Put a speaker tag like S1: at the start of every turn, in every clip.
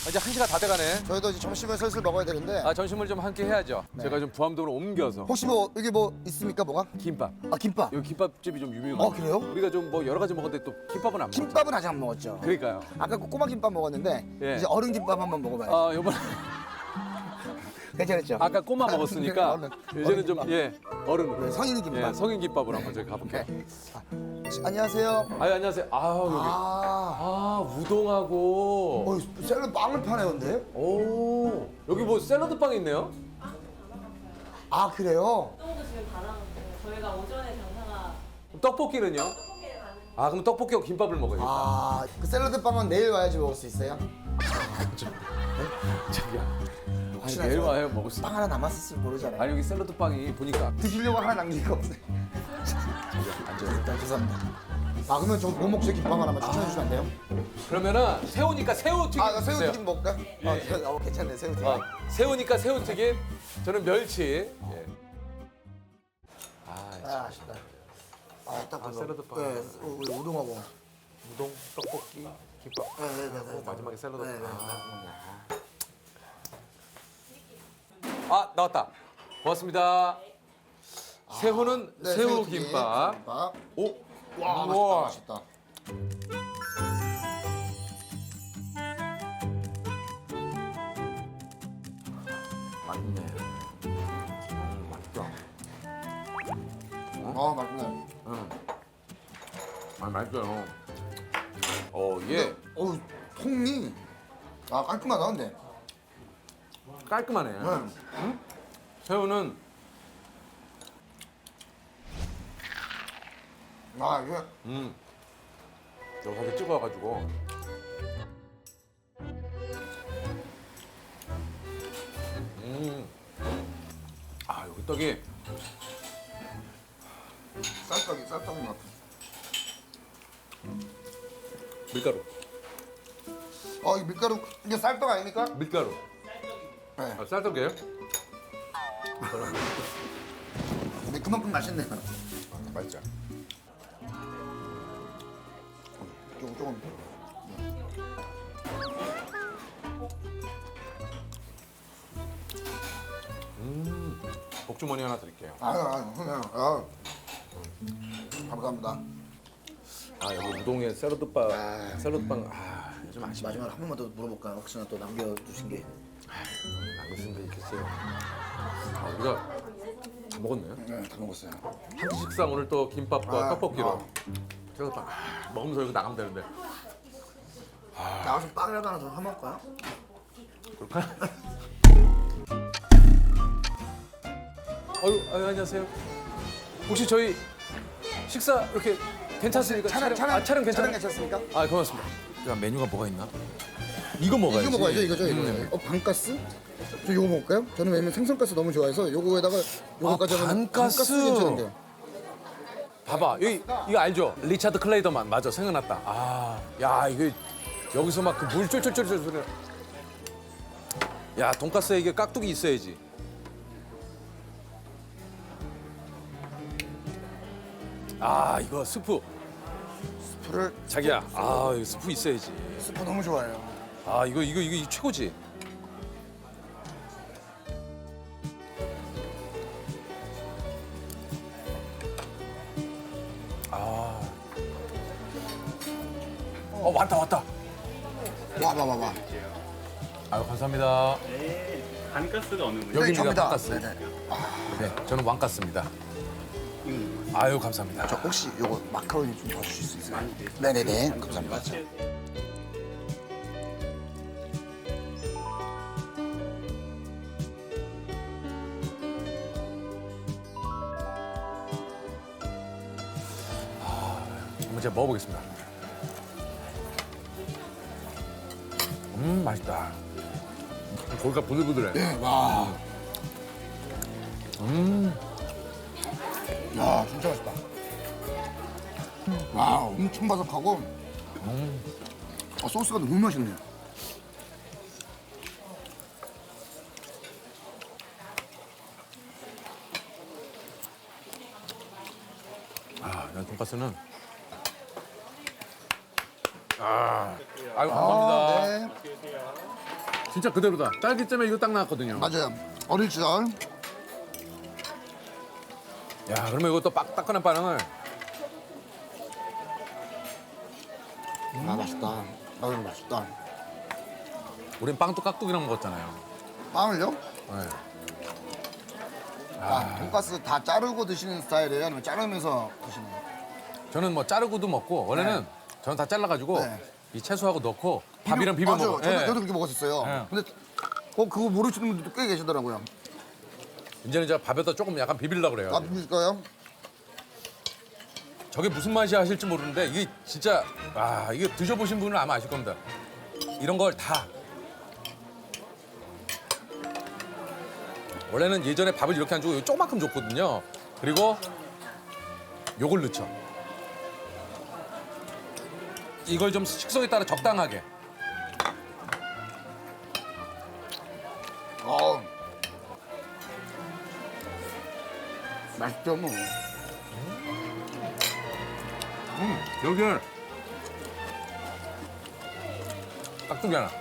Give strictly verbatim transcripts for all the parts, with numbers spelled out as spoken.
S1: 이제 한 시가 다 돼가네.
S2: 저희도 이제 점심을 슬슬 먹어야 되는데
S1: 아 점심을 좀 함께 해야죠. 제가 좀 부암동으로 옮겨서
S2: 혹시 뭐 여기 뭐 있습니까 뭐가?
S1: 김밥.
S2: 아 김밥.
S1: 여기 김밥집이 좀 유명해요.
S2: 어, 그래요?
S1: 우리가 좀 뭐 여러 가지 먹었는데 또 김밥은 안 먹었죠.
S2: 김밥은 아직 안 먹었죠.
S1: 그러니까요.
S2: 아까 그 꼬마 김밥 먹었는데
S1: 예.
S2: 이제 어른 김밥 한번 먹어봐요.
S1: 아 요번에
S2: 괜찮았죠?
S1: 아까 꼬마 먹었으니까
S2: 어른,
S1: 이제는
S2: 어른
S1: 좀
S2: 김밥.
S1: 예 어른으로.
S2: 네, 성인 김밥.
S1: 예, 성인 김밥으로 한번 저희 가볼게요.
S2: 안녕하세요.
S1: 아 안녕하세요. 아 여기
S2: 아,
S1: 아 우동하고
S2: 어, 샐러드 빵을 파네요, 근데.
S1: 오 여기 뭐 샐러드 빵 있네요.
S2: 아 그래요?
S3: 운동도 지금 다 나갔어요. 저희가 오전에 장사가
S1: 떡볶이는요?
S3: 떡볶이를 가는
S1: 아 그럼 떡볶이하고 김밥을 먹어야겠다.
S2: 아, 그 샐러드 빵은 내일 와야지 먹을 수 있어요?
S1: 자기야. 아니
S2: 혹시나
S1: 내일
S2: 저
S1: 와야 먹을 수.
S2: 빵 하나 남았을지 모르잖아요.
S1: 아니 여기 샐러드 빵이 보니까
S2: 드시려고 하나 남긴 거 없어요.
S1: 앉아요.
S2: 일단 죄송합니다. 아 그러면 저 뭐 먹지 김밥 하나만 추천해 주시면 안 돼요?
S1: 그러면은 새우니까 새우튀김
S2: 아, 나
S1: 주세요.
S2: 새우튀김 먹을까? 아, 새- 어, 괜찮네 새우튀김.
S1: 어, 새우니까 새우튀김. 저는 멸치. 예. 아,
S2: 아, 아쉽다. 아, 딱
S1: 아,
S2: 그거.
S1: 샐러드 빵.
S2: 네, 우리 우동하고.
S1: 우동, 떡볶이, 김밥.
S2: 네, 네, 네, 네.
S1: 어, 마지막에 샐러드.
S2: 네, 네,
S1: 아 나왔다. 고맙습니다. 새우는
S2: 네,
S1: 새우
S2: 새우튀김,
S1: 김밥.
S2: 김밥.
S1: 오,
S2: 와,
S1: 우와.
S2: 맛있다, 맛있다.
S1: 맛있네. 음, 맛있다.
S2: 아, 맛있네.
S1: 음. 아 맛있어요. 어 이게
S2: 어우, 통이 아 깔끔하다 근데.
S1: 깔끔하네.
S2: 네.
S1: 새우는
S2: 아 이게
S1: 음 여기 살짝 찍어가지고. 음. 아 여기 떡이
S2: 쌀떡이 쌀떡인 것 같아.
S1: 밀가루.
S2: 어, 이 밀가루 이게 쌀떡 아닙니까?
S1: 밀가루.
S2: 네.
S1: 아 쌀떡이에요?
S2: 근데 그만큼 맛있네요.
S1: 맛있죠.
S2: 조금 조금.
S1: 복주머니 하나 드릴게요.
S2: 아, 아, 그냥 아. 감사합니다.
S1: 아 여기 우동에 샐러드빵,
S2: 아.
S1: 샐러드빵 아 좀 아쉽네.
S2: 마지막으로 한 번만 더 물어볼까요? 혹시나 또 남겨주신 게.
S1: 남겼으면 있겠어요. 아 우리가 다 먹었네요.
S2: 네, 다 먹었어요.
S1: 한 끼 식상 오늘 또 김밥과
S2: 아,
S1: 떡볶이로
S2: 아.
S1: 샐러드빵 아, 먹으면서 이거 나가면 되는데.
S2: 나가서 빵이라도 하나 더 사먹을까요?
S1: 그럴까요? 어유, 아유, 안녕하세요. 혹시 저희 식사 이렇게 괜찮습니까?
S2: 촬영 촬영
S1: 아, 촬영 괜찮아요?
S2: 괜찮습니까?
S1: 아, 고맙습니다. 야, 메뉴가 뭐가 있나? 이거 먹어야지.
S2: 이거 먹어야죠, 이거죠, 이거.
S1: 음.
S2: 어, 반가스? 저 이거 먹을까요? 저는 왜냐면 생선가스 너무 좋아해서 요거에다가 요거까지 하면
S1: 아, 반가스.
S2: 괜찮은데요.
S1: 봐봐, 여기 이거 알죠? 리차드 클레이더만 맞아, 생각났다. 아, 야, 이거 여기서 막 그 물 쫄쫄쫄쫄 소리. 야, 돈가스에 이게 깍두기 있어야지. 아, 이거 스프.
S2: 스프를
S1: 자기야, 아, 이거 스프 있어야지.
S2: 스프 너무 좋아해요.
S1: 아, 이거 이거 이거 최고지. 아. 어, 왔다 왔다.
S2: 와, 와, 와, 와.
S1: 아유, 감사합니다.
S4: 네, 단가스가 어느 분이?
S1: 여기입니다,
S2: 접니다.
S1: 돈가스.
S2: 네네.
S1: 네, 저는 왕가스입니다. 아유, 감사합니다.
S2: 저 혹시 요거 마카로니 좀 더 주실 수 있어요? 네네네. 감사합니다.
S1: 한번 제가 먹어보겠습니다. 음, 맛있다. 고기가 부들부들해.
S2: 네, 와. 음. 야, 진짜 맛있다. 와, 엄청 바삭하고. 음. 아, 소스가 너무 맛있네요.
S1: 아, 난 돈가스는 아, 아유 감사합니다.
S2: 아, 네.
S1: 진짜 그대로다. 딸기잼에 이거 딱 나왔거든요.
S2: 맞아요. 어릴 시절.
S1: 야, 그러면 이것도 빡 따끈한 빵을
S2: 아 맛있다. 아 이거 맛있다.
S1: 우린 빵도 깍두기랑 먹었잖아요.
S2: 빵을요?
S1: 네.
S2: 아, 돈가스 다 자르고 드시는 스타일이에요? 아니면 자르면서 드시나요?
S1: 저는 뭐 자르고도 먹고 원래는 저는 다 잘라가지고
S2: 네.
S1: 이 채소하고 넣고 밥이랑 비벼
S2: 맞아요.
S1: 먹어.
S2: 저도,
S1: 예.
S2: 저도 그렇게 먹었었어요.
S1: 네.
S2: 근데 어 그거 모르시는 분들도 꽤 계시더라고요.
S1: 이제는 제가 밥에다 조금 약간 비빌려고 그래요.
S2: 아 비밀까요?
S1: 저게 무슨 맛이 하실지 모르는데 이게 진짜 아 이게 드셔보신 분은 아마 아실 겁니다. 이런 걸 다 원래는 예전에 밥을 이렇게 안 주고 조금만큼 줬거든요. 그리고 요걸 넣죠. 이걸 좀 식성에 따라 적당하게.
S2: 어. 맛있죠 뭐.
S1: 음, 여기에 깍두기 하나.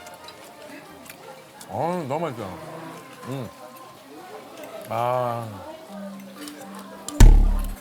S1: 어, 너무 맛있어. 음. 아.